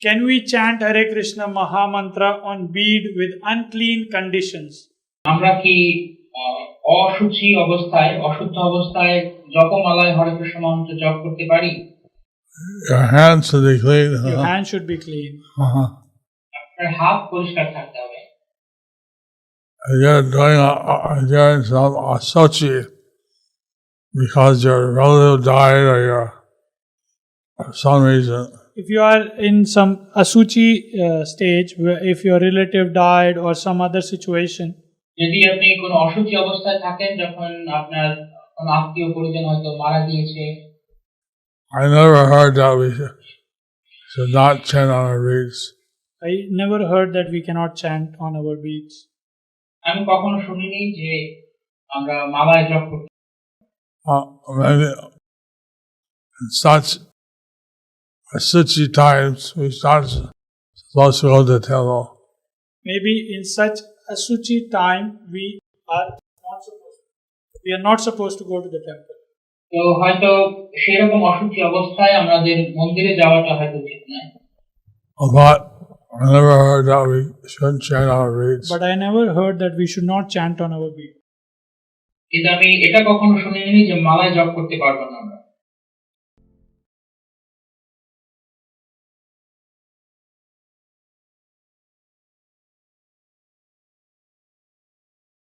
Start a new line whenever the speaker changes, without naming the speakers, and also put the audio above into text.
Can we chant Hare Krishna Mahamantra on bead with unclean conditions?
আমরা কি অশুচি অবস্থায় অশুদ্ধ অবস্থায় জপমালায় হরে কৃষ্ণ মন্ত্র জপ করতে পারি?
Your hands should be clean.
Your hands should be clean.
আপনার হাত পরিষ্কার থাকতে হবে।
You're doing some asuchi because your relative died or for some reason.
If you are in some asuchi stage, if your relative died or some other situation,
যদি আপনি কোনো অশুচি অবস্থায় থাকেন, যখন আপনার কোনো আত্মীয় পরিজন হয়তো মারা গিয়েছে,
I never heard that we should not chant on our beads.
I never heard that we cannot chant on our beads.
আমি কখনো শুনিনি যে আমরা মালায় জপ করতে।
Maybe in such asuchi times we not supposed to go to the temple.
Maybe in such asuchi time we are not supposed to go to the temple.
তো হয়তো সেরকম অশুচি অবস্থায় আমাদের মন্দিরে যাওয়াটা হয়তো উচিত নয়।
But I never heard that we shouldn't chant on our beads.
But I never heard that we should not chant on our beads.
কিন্তু আমি এটা কখনো শুনিনি যে মালায় জপ করতে পারবো না আমরা।